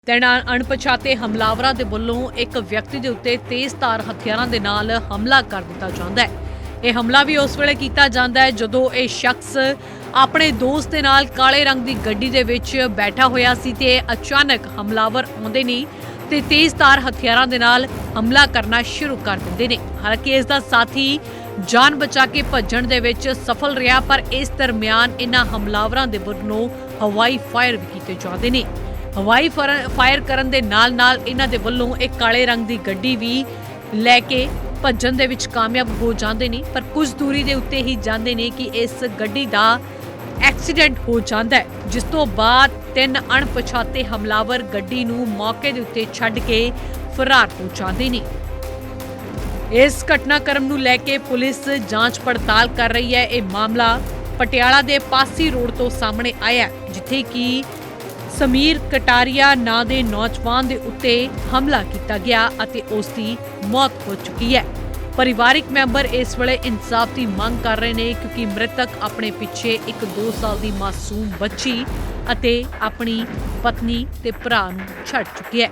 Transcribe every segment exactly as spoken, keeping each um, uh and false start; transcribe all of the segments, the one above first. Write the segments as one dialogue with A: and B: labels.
A: ਤਿੰਨ ਅਣਪਛਾਤੇ ਹਮਲਾਵਰਾਂ ਦੇ ਵੱਲੋਂ ਇੱਕ ਵਿਅਕਤੀ ਦੇ ਉੱਤੇ ਤੇਜ਼ਧਾਰ ਹਥਿਆਰਾਂ ਦੇ ਨਾਲ ਹਮਲਾ ਕਰ ਦਿੱਤਾ ਜਾਂਦਾ ਹੈ। ਇਹ ਹਮਲਾ ਵੀ ਉਸ ਵੇਲੇ ਕੀਤਾ ਜਾਂਦਾ ਹੈ ਜਦੋਂ ਇਹ ਸ਼ਖਸ ਆਪਣੇ ਦੋਸਤ ਦੇ ਨਾਲ ਕਾਲੇ ਰੰਗ ਦੀ ਗੱਡੀ ਦੇ ਵਿੱਚ ਬੈਠਾ ਹੋਇਆ ਸੀ ਤੇ ਅਚਾਨਕ ਹਮਲਾਵਰ ਆਉਂਦੇ ਨੇ ਤੇ ਤੇਜ਼ਧਾਰ ਹਥਿਆਰਾਂ ਦੇ ਨਾਲ ਹਮਲਾ ਕਰਨਾ ਸ਼ੁਰੂ ਕਰ ਦਿੰਦੇ ਨੇ। ਹਾਲਾਂਕਿ ਇਸ ਦਾ ਸਾਥੀ ਜਾਨ ਬਚਾ ਕੇ ਭੱਜਣ ਦੇ ਵਿੱਚ ਸਫਲ ਰਿਹਾ, ਪਰ ਇਸ ਦਰਮਿਆਨ ਇਹਨਾਂ ਹਮਲਾਵਰਾਂ ਦੇ ਵੱਲੋਂ ਹਵਾਈ ਫਾਇਰ ਵੀ ਕੀਤੇ ਜਾਂਦੇ ਨੇ। ਹਵਾਈ ਫਾਇਰ ਕਰਨ ਦੇ ਨਾਲ ਨਾਲ ਇਹਨਾਂ ਦੇ ਵੱਲੋਂ ਇੱਕ ਕਾਲੇ ਰੰਗ ਦੀ ਗੱਡੀ ਵੀ ਲੈ ਕੇ ਭੱਜਣ ਦੇ ਵਿੱਚ ਕਾਮਯਾਬ ਹੋ ਜਾਂਦੇ ਨੇ, ਪਰ ਕੁਝ ਦੂਰੀ ਦੇ ਉੱਤੇ ਹੀ ਜਾਂਦੇ ਨੇ ਕਿ ਇਸ ਗੱਡੀ ਦਾ ਐਕਸੀਡੈਂਟ ਹੋ ਜਾਂਦਾ ਹੈ, ਜਿਸ ਤੋਂ ਬਾਅਦ ਤਿੰਨ ਅਣਪਛਾਤੇ ਹਮਲਾਵਰ ਗੱਡੀ ਨੂੰ ਮੌਕੇ ਦੇ ਉੱਤੇ ਛੱਡ ਕੇ ਫਰਾਰ ਹੋ ਜਾਂਦੇ ਨੇ। ਇਸ ਘਟਨਾਕ੍ਰਮ ਨੂੰ ਲੈ ਕੇ ਪੁਲਿਸ ਜਾਂਚ ਪੜਤਾਲ ਕਰ ਰਹੀ ਹੈ। ਇਹ ਮਾਮਲਾ ਪਟਿਆਲਾ ਦੇ ਪਾਸੀ ਰੋਡ ਤੋਂ ਸਾਹਮਣੇ ਆਇਆ, ਜਿੱਥੇ ਕਿ ਸਮੀਰ ਕਟਾਰੀਆ ਨਾਂ ਦੇ ਨੌਜਵਾਨ ਦੇ ਉੱਤੇ ਹਮਲਾ ਕੀਤਾ ਗਿਆ ਅਤੇ ਉਸ ਦੀ ਮੌਤ ਹੋ ਚੁੱਕੀ ਹੈ। ਪਰਿਵਾਰਿਕ ਮੈਂਬਰ ਇਸ ਵੇਲੇ ਇਨਸਾਫ ਦੀ ਮੰਗ ਕਰ ਰਹੇ ਨੇ, ਕਿਉਂਕਿ ਮ੍ਰਿਤਕ ਆਪਣੇ ਪਿੱਛੇ ਇੱਕ ਦੋ ਸਾਲ ਦੀ ਮਾਸੂਮ ਬੱਚੀ ਅਤੇ ਆਪਣੀ ਪਤਨੀ ਤੇ ਭਰਾ ਨੂੰ ਛੱਡ ਚੁੱਕੀ ਹੈ।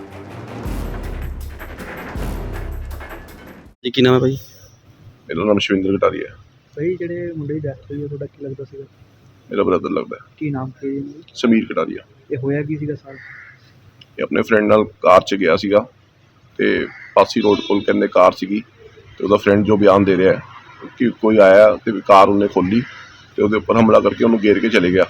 B: ਜੀ ਕੀ ਨਾਮ ਹੈ ਭਾਈ?
C: ਮੇਰਾ ਨਾਮ ਸ਼ਿਵਿੰਦਰ ਕਟਾਰੀਆ ਹੈ।
D: ਭਾਈ ਜਿਹੜੇ ਮੁੰਡੇ ਦੀ ਡੈਥ ਹੋਈ ਉਹ ਤੁਹਾਡਾ ਕੀ ਲੱਗਦਾ ਸੀਗਾ?
C: ਮੇਰਾ ਬ੍ਰਦਰ ਲੱਗਦਾ ਹੈ,
D: ਕੀ ਨਾਮ ਸੀ ਇਹਨਾਂ ਦਾ?
C: ਸਮੀਰ ਕਟਾਰੀਆ।
D: ਇਹ ਹੋਇਆ ਕੀ ਸੀਗਾ ਸਰ?
C: ਇਹ ਆਪਣੇ ਫਰੈਂਡ ਨਾਲ ਕਾਰ 'ਚ ਗਿਆ ਸੀਗਾ ਤੇ ਪਾਸੀ ਰੋਡ ਕੋਲ ਕਹਿੰਦੇ ਕਾਰ ਸੀਗੀ ਤੇ ਉਹਦਾ ਫਰੈਂਡ ਜੋ ਬਿਆਨ ਦੇ ਰਿਹਾ ਹੈ ਕਿ ਕੋਈ ਆਇਆ ਤੇ ਕਾਰ ਉਹਨੇ ਖੋਲੀ ਤੇ ਉਹਦੇ ਉੱਪਰ ਹਮਲਾ ਕਰਕੇ ਉਹਨੂੰ ਘੇਰ ਕੇ ਚਲੇ ਗਿਆ।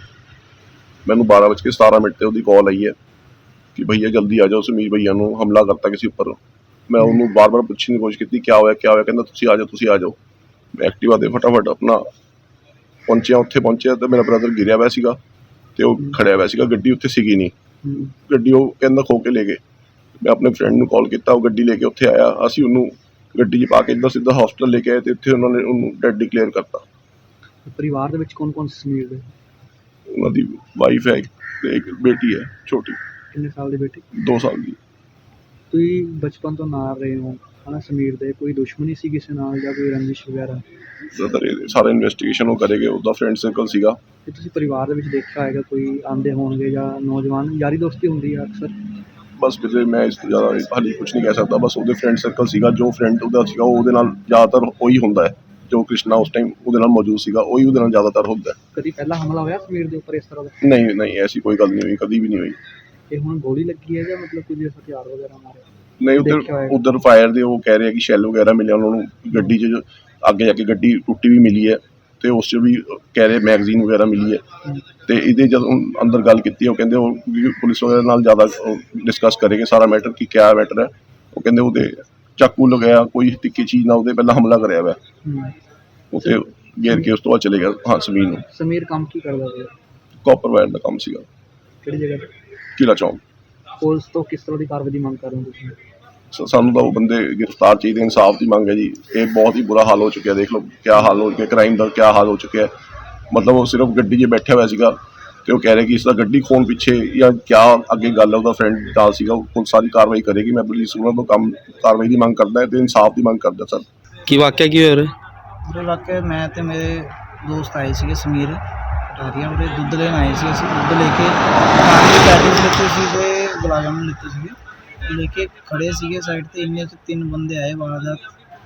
C: ਮੈਨੂੰ ਬਾਰਾਂ ਵੱਜ ਕੇ ਸਤਾਰਾਂ ਮਿੰਟ ਤੇ ਉਹਦੀ ਕਾਲ ਆਈ ਹੈ ਕਿ ਭਈਆ ਜਲਦੀ ਆ ਜਾਓ, ਸਮੀਰ ਭਈਆ ਨੂੰ ਹਮਲਾ ਕਰਤਾ ਕਿਸੇ ਉੱਪਰ। ਮੈਂ ਉਹਨੂੰ ਬਾਰ ਬਾਰ ਪੁੱਛਣ ਦੀ ਕੋਸ਼ਿਸ਼ ਕੀਤੀ, ਕਿਆ ਹੋਇਆ ਕਿਆ ਹੋਇਆ? ਕਹਿੰਦਾ ਤੁਸੀਂ ਆ ਜਾਓ ਤੁਸੀਂ ਆ ਜਾਓ। ਮੈਂ ਐਕਟਿਵਾ ਦੇ ਫਟਾਫਟ ਆਪਣਾ ਪਹੁੰਚਿਆ, ਉੱਥੇ ਪਹੁੰਚਿਆ ਤਾਂ ਮੇਰਾ ਬ੍ਰਦਰ ਗਿਰਿਆ ਹੋਇਆ ਸੀਗਾ ਤੇ ਉਹ ਖੜਿਆ ਹੋਇਆ ਸੀਗਾ। ਗੱਡੀ ਉੱਥੇ ਸੀਗੀ ਨਹੀਂ, ਗੱਡੀ ਉਹ ਕਹਿੰਦਾ ਖੋ ਕੇ ਲੈ ਗਏ। ਮੈਂ ਆਪਣੇ ਫਰੈਂਡ ਨੂੰ ਕਾਲ ਕੀਤਾ, ਉਹ ਗੱਡੀ ਲੈ ਕੇ ਉੱਥੇ ਆਇਆ। ਅਸੀਂ ਉਹਨੂੰ ਗੱਡੀ 'ਚ ਪਾ ਕੇ ਇੱਦਾਂ ਸਿੱਧਾ ਹਸਪਤਾਲ ਲੈ ਕੇ ਆਏ ਤੇ ਇੱਥੇ ਉਹਨਾਂ ਨੇ ਉਹਨੂੰ ਡੈਡ ਡਿਕਲੇਅਰ ਕਰਤਾ।
D: ਪਰਿਵਾਰ ਦੇ ਵਿੱਚ ਕੌਣ ਕੌਣ ਸੀ ਸਮੀਰ ਦੇ?
C: ਉਹਨਾਂ ਦੀ ਵਾਈਫ ਹੈ ਤੇ ਇੱਕ ਬੇਟੀ ਹੈ ਛੋਟੀ,
D: ਕਿੰਨੇ ਸਾਲ ਦੀ ਬੇਟੀ?
C: ਦੋ ਸਾਲ ਦੀ।
D: ਤੁਸੀਂ ਬਚਪਨ ਤੋਂ ਨਾਲ ਰਹੇ ਹੋ ਹਨਾ ਸਮੀਰ ਦੇ, ਕੋਈ ਦੁਸ਼ਮਣੀ ਸੀ ਕਿਸੇ ਨਾਲ ਜਾਂ ਕੋਈ ਰੰਜਿਸ਼ ਵਗੈਰਾ?
C: ਬ੍ਰਦਰ ਇਹ ਸਾਰਾ ਇਨਵੈਸਟੀਗੇਸ਼ਨ ਉਹ ਕਰੇਗੇ, ਉਹਦਾ ਫਰੈਂਡ ਸਰਕਲ ਸੀਗਾ।
D: ਤੇ ਤੁਸੀਂ ਪਰਿਵਾਰ ਦੇ ਵਿੱਚ ਦੇਖਿਆ ਹੋਏਗਾ ਕੋਈ ਆਉਂਦੇ ਹੋਣਗੇ ਜਾਂ ਨੌਜਵਾਨ ਯਾਰੀ ਦੋਸਤੀ ਹੁੰਦੀ ਹੈ ਅਕਸਰ?
C: ਬਸ ਕਿਤੇ ਮੈਂ ਇਸ ਤੋਂ ਜ਼ਿਆਦਾ ਹਾਲੇ ਕੁਝ ਨਹੀਂ ਕਹਿ ਸਕਦਾ। ਬਸ ਉਹਦੇ ਫਰੈਂਡ ਸਰਕਲ ਸੀਗਾ, ਜੋ ਫਰੈਂਡ ਉਹਦਾ ਸੀਗਾ ਉਹਦੇ ਨਾਲ ਜ਼ਿਆਦਾਤਰ ਉਹੀ ਹੁੰਦਾ ਹੈ। ਜੋ ਕ੍ਰਿਸ਼ਨਾ ਉਸ ਟਾਈਮ ਉਹਦੇ ਨਾਲ ਮੌਜੂਦ ਸੀਗਾ ਉਹੀ ਉਹਦੇ ਨਾਲ ਜ਼ਿਆਦਾਤਰ ਹੁੰਦਾ ਹੈ।
D: ਕਦੀ ਪਹਿਲਾਂ ਹਮਲਾ ਹੋਇਆ ਸਮੀਰ ਦੇ ਉੱਪਰ ਇਸ ਤਰ੍ਹਾਂ ਦਾ?
C: ਨਹੀਂ ਨਹੀਂ ਐਸੀ ਕੋਈ ਗੱਲ ਨਹੀਂ ਹੋਈ, ਕਦੀ ਵੀ ਨਹੀਂ ਹੋਈ।
D: ਤੇ ਹੁਣ ਗੋਲੀ ਲੱਗੀ ਹੈ ਜਾਂ ਮਤਲਬ ਕੋਈ ਹਥਿਆਰ ਵਗੈਰਾ ਮਾਰੇ?
C: ਨਹੀਂ, ਉੱਧਰ ਉੱਧਰ ਫਾਇਰ ਦੇ ਉਹ ਕਹਿ ਰਹੇ ਕਿ ਸ਼ੈਲ ਵਗੈਰਾ ਮਿਲਿਆ ਉਹਨਾਂ ਨੂੰ ਗੱਡੀ 'ਚ। ਅੱਗੇ ਜਾ ਕੇ ਗੱਡੀ ਟੁੱਟੀ ਵੀ ਮਿਲੀ ਹੈ ਤੇ ਉਸ 'ਚ ਵੀ ਕਹਿ ਰਹੇ ਮੈਗਜ਼ੀਨ ਵਗੈਰਾ ਮਿਲੀ ਹੈ। ਤੇ ਇਹਦੇ ਜਦੋਂ ਅੰਦਰ ਗੱਲ ਕੀਤੀ ਉਹ ਕਹਿੰਦੇ ਉਹ ਪੁਲਿਸ ਵਗੈਰਾ ਨਾਲ ਜ਼ਿਆਦਾ ਡਿਸਕਸ ਕਰੇਗੇ ਸਾਰਾ ਮੈਟਰ ਕਿ ਕਿਆ ਮੈਟਰ ਹੈ। ਉਹ ਕਹਿੰਦੇ ਉਹਦੇ ਚਾਕੂ ਲਗਾਇਆ, ਕੋਈ ਤਿੱਖੀ ਚੀਜ਼ ਨਾਲ ਉਹਦੇ ਪਹਿਲਾਂ ਹਮਲਾ ਕਰਿਆ ਹੋਇਆ, ਉੱਥੇ ਘੇਰ ਕੇ ਉਸ ਤੋਂ ਬਾਅਦ ਚਲੇ ਗਿਆ। ਹਾਂ ਸਮੀਰ ਨੂੰ।
D: ਸਮੀਰ ਕੰਮ ਕੀ ਕਰਦਾ ਸੀ?
C: ਕਾਪਰ ਵਾਇਰ ਦਾ ਕੰਮ ਸੀਗਾ।
D: ਕਿਹੜੀ ਜਗ੍ਹਾ ਤੇ?
C: ਕਿਲਾ ਚੌਂਕ।
D: ਪੁਲਿਸ ਤੋਂ ਕਿਸ ਤਰ੍ਹਾਂ ਦੀ ਕਾਰਵਾਈ ਦੀ ਮੰਗ ਕਰ ਰਹੇ ਹੋ ਤੁਸੀਂ?
C: ਸਾਨੂੰ ਤਾਂ ਉਹ ਬੰਦੇ ਗ੍ਰਿਫਤਾਰ ਚਾਹੀਦੇ, ਇਨਸਾਫ ਦੀ ਮੰਗ ਹੈ ਜੀ। ਇਹ ਬਹੁਤ ਹੀ ਬੁਰਾ ਹਾਲ ਹੋ ਚੁੱਕਿਆ, ਦੇਖ ਲਓ ਕਿਆ ਹਾਲ ਹੋ ਚੁੱਕਿਆ, ਕ੍ਰਾਈਮ ਦਾ ਕਿਆ ਹਾਲ ਹੋ ਚੁੱਕਿਆ। ਮਤਲਬ ਉਹ ਸਿਰਫ ਗੱਡੀ 'ਚ ਬੈਠਿਆ ਹੋਇਆ ਸੀਗਾ ਤੇ ਉਹ ਕਹਿ ਰਹੇ ਕਿ ਇਸ ਦਾ ਗੱਡੀ ਖੋਣ ਪਿੱਛੇ ਜਾਂ ਕਿਆ ਅੱਗੇ ਗੱਲ ਹੈ। ਉਹਦਾ ਫਰੈਂਡ ਨਾਲ ਸੀਗਾ, ਉਹ ਸਾਰੀ ਕਾਰਵਾਈ ਕਰੇਗੀ। ਮੈਂ ਪੁਲਿਸ ਉਹਨਾਂ ਤੋਂ ਕੰਮ ਕਾਰਵਾਈ ਦੀ ਮੰਗ ਕਰਦਾ ਤੇ ਇਨਸਾਫ ਦੀ ਮੰਗ ਕਰਦਾ ਸਰ।
B: ਕੀ ਵਾਕਿਆ ਕੀ ਹੋਇਆ?
E: ਉਰੇ ਇਲਾਕੇ ਮੈਂ ਤੇ ਮੇਰੇ ਦੋਸਤ ਆਏ ਸੀਗੇ ਸਮੀਰ ਕਟਾਰੀਆ, ਉਰੇ ਦੁੱਧ ਲੈਣ ਆਏ ਸੀ। ਅਸੀਂ ਦੁੱਧ ਲੈ ਕੇ ਪਾਣੀ ਦੀ ਪੈਕੇਟ ਲਿੱਤੇ ਸੀ ਤੇ ਗੁਲਾਬ ਜਾਮੁਨ ਲਿੱਤੇ ਸੀਗੇ, ਲੈ ਕੇ ਖੜ੍ਹੇ ਸੀਗੇ ਸਾਈਡ 'ਤੇ। ਇੰਨੇ 'ਚ ਤਿੰਨ ਬੰਦੇ ਆਏ, ਵਾਰਦਾਤ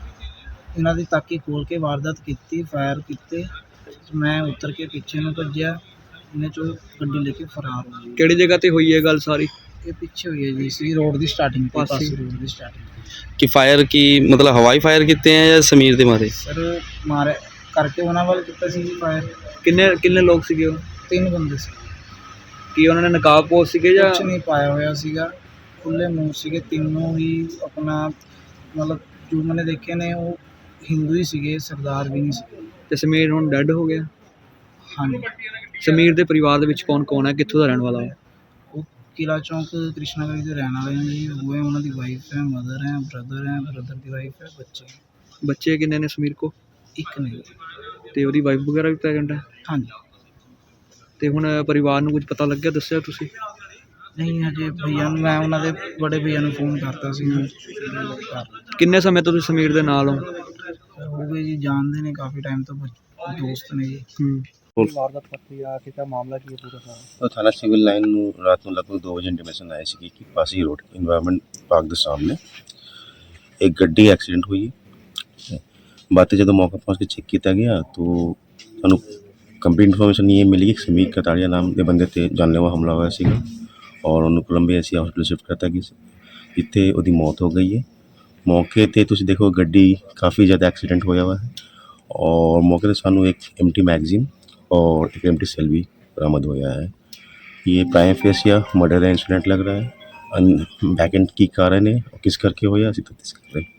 E: ਇਹਨਾਂ ਦੀ ਤਾਕੀ ਖੋਲ੍ਹ ਕੇ ਵਾਰਦਾਤ ਕੀਤੀ, ਫਾਇਰ ਕੀਤੇ। ਮੈਂ ਉਤਰ ਕੇ ਪਿੱਛੇ ਨੂੰ ਭੱਜਿਆ, ਇਹਨੇ 'ਚੋਂ ਗੱਡੀ ਲੈ ਕੇ ਫਰਾਰ ਹੋ ਗਈ।
D: ਕਿਹੜੀ ਜਗ੍ਹਾ ਤੇ ਹੋਈ ਹੈ ਗੱਲ ਸਾਰੀ?
E: ਇਹ ਪਿੱਛੇ ਹੋਈ ਹੈ ਜੀ, ਸੀ ਰੋਡ ਦੀ ਸਟਾਰਟਿੰਗ, ਪਾਸੀ ਰੋਡ ਦੀ ਸਟਾਰਟਿੰਗ।
B: ਕਿ ਫਾਇਰ ਕੀ ਮਤਲਬ ਹਵਾਈ ਫਾਇਰ ਕੀਤੇ ਹੈ ਜਾਂ ਸਮੀਰ ਦੇ ਮਾਰੇ?
E: ਸਰ ਮਾਰੇ ਕਰਕੇ ਉਹਨਾਂ ਵੱਲ ਕੀਤਾ ਸੀ ਜੀ ਫਾਇਰ।
D: ਕਿੰਨੇ ਕਿੰਨੇ ਲੋਕ ਸੀਗੇ ਉਹ?
E: ਤਿੰਨ ਬੰਦੇ ਸੀ।
D: ਕੀ ਉਹਨਾਂ ਨੇ ਨਕਾਬ ਪੋਸ਼ ਸੀਗੇ ਜਾਂ?
E: ਕੁਛ ਨਹੀਂ ਪਾਇਆ ਹੋਇਆ ਸੀਗਾ, ਖੁੱਲ੍ਹੇ ਮੂੰਹ ਸੀਗੇ ਤਿੰਨੋਂ ਹੀ। ਆਪਣਾ ਮਤਲਬ ਜੋ ਮੈंने ਦੇਖੇ ਨੇ ਉਹ ਹਿੰਦੂ ਹੀ ਸੀਗੇ, ਸਰਦਾਰ ਵੀ ਨਹੀਂ ਸੀਗੇ।
D: ਤੇ ਸਮੀਰ ਹੁਣ ਡੈੱਡ ਹੋ ਗਿਆ?
E: ਹਾਂਜੀ।
D: ਸਮੀਰ ਦੇ ਪਰਿਵਾਰ ਦੇ ਵਿੱਚ ਕੌਣ ਕੌਣ ਹੈ, ਕਿੱਥੋਂ ਦਾ ਰਹਿਣ ਵਾਲਾ ਹੈ?
E: ਉਹ ਕਿਲਾ ਚੌਂਕ ਕ੍ਰਿਸ਼ਨਾ ਗਲੀ ਦੇ ਰਹਿਣ ਵਾਲੇ ਨੇ ਜੀ। ਉਹ ਹੈ, ਉਹਨਾਂ ਦੀ ਵਾਈਫ ਹੈ, ਮਦਰ ਹੈ, ਬ੍ਰਦਰ ਹੈ, ਬ੍ਰਦਰ ਦੀ ਵਾਈਫ ਹੈ, ਬੱਚੇ।
D: ਬੱਚੇ ਕਿੰਨੇ ਨੇ ਸਮੀਰ ਕੋ?
E: ਇੱਕ ਨਹੀਂ।
D: ਤੇ ਉਹਦੀ ਵਾਈਫ ਵਗੈਰਾ ਵੀ ਪ੍ਰੈਗਨੈਂਟ ਹੈ?
E: ਹਾਂਜੀ।
D: ਤੇ ਹੁਣ ਪਰਿਵਾਰ ਨੂੰ ਕੁਝ ਪਤਾ ਲੱਗਿਆ, ਦੱਸਿਆ ਤੁਸੀਂ?
E: ਨਹੀਂ ਹਜੇ ਭਈਆ ਨੂੰ, ਮੈਂ ਉਹਨਾਂ ਦੇ ਬੜੇ ਭਈਆ ਨੂੰ ਫੋਨ ਕਰਤਾ ਸੀ।
D: ਕਿੰਨੇ ਸਮੇਂ ਤੋਂ ਤੁਸੀਂ ਸਮੀਰ ਦੇ ਨਾਲ ਹੋ?
E: ਹੋ ਗਏ ਜੀ, ਜਾਣਦੇ ਨੇ ਕਾਫੀ ਟਾਈਮ ਤੋਂ, ਦੋਸਤ ਨੇ ਜੀ।
D: ਕੀ ਵਾਰਦਾਤ ਵਾਪਰੀ ਆ ਕਿ ਤਾਂ ਮਾਮਲਾ ਕੀ ਹੈ ਪੂਰਾ ਸਾਰਾ?
F: ਤਾਂ ਥਾਣਾ ਸਿਵਲ ਲਾਈਨ ਨੂੰ ਰਾਤ ਨੂੰ ਲਗਭਗ ਦੋ ਵਜੇ ਇੰਟੀਮੇਸ਼ਨ ਆਈ ਸੀ ਕਿ ਪਾਸੀ ਰੋਡ ਇਨਵਾਇਰਨਮੈਂਟ ਪਾਰਕ ਦੇ ਸਾਹਮਣੇ ਇੱਕ ਗੱਡੀ ਐਕਸੀਡੈਂਟ ਹੋਈ ਹੈ। ਬਾਅਦ 'ਚ ਜਦੋਂ ਮੌਕੇ ਪਹੁੰਚ ਕੇ ਚੈੱਕ ਕੀਤਾ ਗਿਆ ਤਾਂ ਸਾਨੂੰ ਕੰਪਲੀਟ ਇਨਫੋਰਮੇਸ਼ਨ ਇਹ ਮਿਲੀ ਕਿ ਸਮੀਰ ਕਤਾੜੀਆ ਨਾਮ ਦੇ ਬੰਦੇ 'ਤੇ ਜਾਨਲੇਵਾ ਹਮਲਾ ਹੋਇਆ ਸੀਗਾ ਔਰ ਉਹਨੂੰ ਕੋਲੰਬੀਆ ਸੀ ਹਸਪੀਟਲ ਸ਼ਿਫਟ ਕਰਤਾ ਗਿਆ ਸੀ, ਜਿੱਥੇ ਉਹਦੀ ਮੌਤ ਹੋ ਗਈ ਹੈ। ਮੌਕੇ 'ਤੇ ਤੁਸੀਂ ਦੇਖੋ ਗੱਡੀ ਕਾफ़ੀ ज़्यादा एक्सीडेंट होया हुआ है और मौके पे सानू एक एम्प्टी मैगजीन और एक एम्प्टी सेल भी बरामद होया है। ये प्राइम फेस या मर्डर का इंसिडेंट लग रहा है। बैक एंड की कारण है और किस करके होया असीं तफ्तीश कर रहे हैं।